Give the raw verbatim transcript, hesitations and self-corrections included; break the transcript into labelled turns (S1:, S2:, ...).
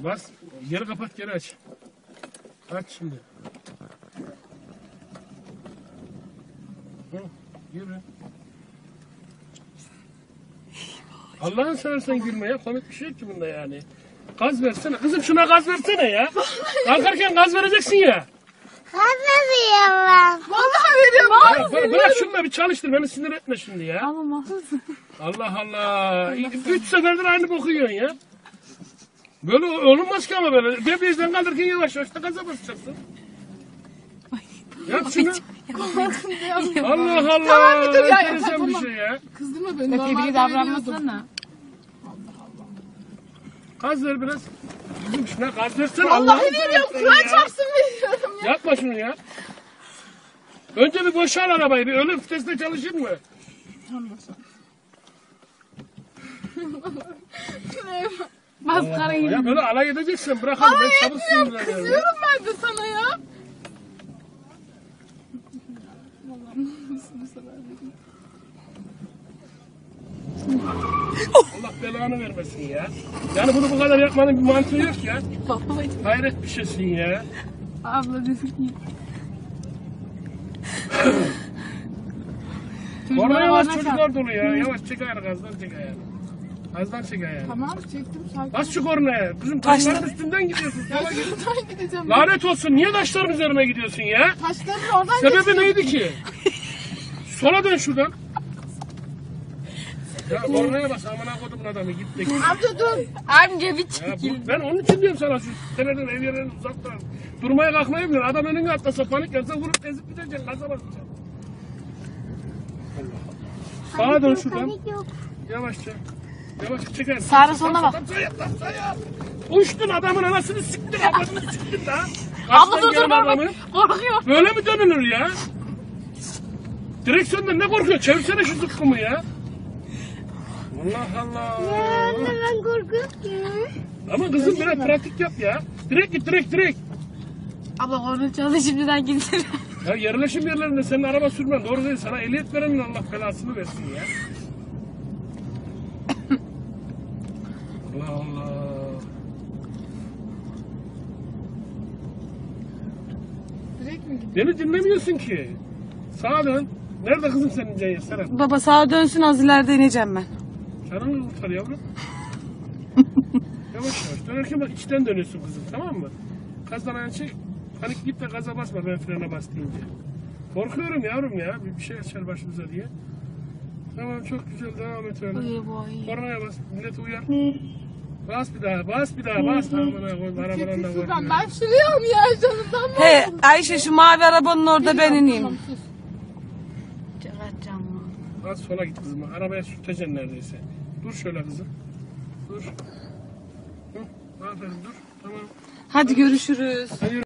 S1: Bas. Geri kapat, geri aç. Aç şimdi. Hı, yürü. Allah'ın seversen gülme ya. Komik bir şey yok ki bunda yani. Gaz versene. Kızım şuna gaz versene ya. Kalkarken gaz vereceksin ya.
S2: Gaz veriyorum.
S3: Vallahi veriyorum.
S1: Ya, bırak, bırak şunu da bir çalıştır. Beni sinir etme şimdi ya.
S3: Ama
S1: Allah Allah. Üç seferdir aynı boku yiyorsun ya. Böyle olunmaz ki ama böyle. Debriyajdan kaldırırken yavaş yavaş da gaza basacaksın. Yap şunu. Allah Allah.
S3: Tamam, bir dur ya,
S1: Enteresan
S3: tamam.
S1: bir şey ya.
S3: kızdırma beni.
S4: Tebrik davranmasana.
S1: Gaz ver biraz. Kızım şuna gaz versene.
S3: Vallahi
S1: Allah'ını
S3: veriyorum.
S1: seversen
S3: Kur'an
S1: ya.
S3: çarpsın veriyorum ya.
S1: Yapma şunu ya. Önce bir boşal arabayı. Bir ölüm vitesinde çalışır mı?
S4: Maskara gibi.
S1: Ya böyle alay edeceksin. Bırakalım. Ben çabuk sinirleniyorum. ya.
S3: Kızıyorum ben de sana ya.
S1: Allah belanı vermesin ya. Yani bunu bu kadar yapmanın bir mantığı yok ya. Hayret bir şeysin ya.
S4: Abla desin ki.
S1: Oraya yavaş çocuklar dolu ya. Yavaş çek ayağını, gazdan çek ayağını. Gazdan çek ayağını.
S3: Tamam çektim sakin.
S1: Bas şu kornaya. Kızım taşların üstünden gidiyorsun.
S3: Ya şuradan gideceğim.
S1: Lanet olsun. Niye taşların üzerine gidiyorsun ya?
S3: Taşların oradan
S1: Sebebi neydi ki? Sola dön şuradan. Ya kornaya bas. Amına kodumun adamı. Git de git.
S3: Amca dur.
S4: Amca bir
S1: Ya
S4: çekil.
S1: bu, ben onun için diyorum sana şu seneden ev yerlerini uzaktan. Durmaya kalkmayı bilir. Adam önüne atlasa panik yapsa vurup ezip gideceksin. Gaza basacaksın. Sağa dön şuradan.
S2: Panik yok.
S1: Yavaşça. Yavaşça çeker.
S4: Sağına soluna bak.
S1: Sayap lan sayap. Uçtun adamın anasını siktin adamını siktin la.
S4: Abla
S1: Kaçtan
S4: dur dur
S1: gelen
S4: bak.
S1: adamı.
S4: Korkuyor.
S1: Böyle mi dönülür ya? Direksiyondan ne korkuyor? Çevirsene şu zıkkımı ya. Allah Allah.
S2: Ya anne ben korkuyorum ki.
S1: Ama kızım biraz pratik yap ya. Direkt git direkt direkt.
S4: Abla korna çaldı şimdiden gitsin.
S1: Ya yerleşim yerlerinde senin araba sürmen doğru değil. Sana ehliyet verenin Allah belasını versin ya. Allah Allah.
S3: Direkt mi gidiyor?
S1: Beni dinlemiyorsun ki. Sağa dön. Nerede kızım senin Ceyhan Serap?
S4: Baba sağa dönsün az ileride ineceğim ben.
S1: Canını kurtar yavrum. Yavaş yavaş. Dönerken bak içten dönüyorsun kızım, tamam mı? Gazdan ayağını çek. Panik git de gaza basma ben frene bas deyince. Korkuyorum yavrum ya. Bir, bir şey açar başımıza diye. Tamam çok güzel devam et öyle.
S4: Uyu boy.
S1: Kornaya bas. Milleti uyar. Bas bir daha, bas bir daha, bas. Amına koy, arabadan da
S3: Furkan
S1: korkuyorum.
S3: ben sürüyorum ya canından mı?
S4: He Ayşe şu mavi arabanın orada ben ineyim.
S3: Tamam, sus.
S1: Az sola git kızım. Arabaya sürteceksin neredeyse. Dur şöyle kızım. Dur. Hı, aferin dur. Tamam.
S4: Hadi görüşürüz.
S1: Hadi yürü.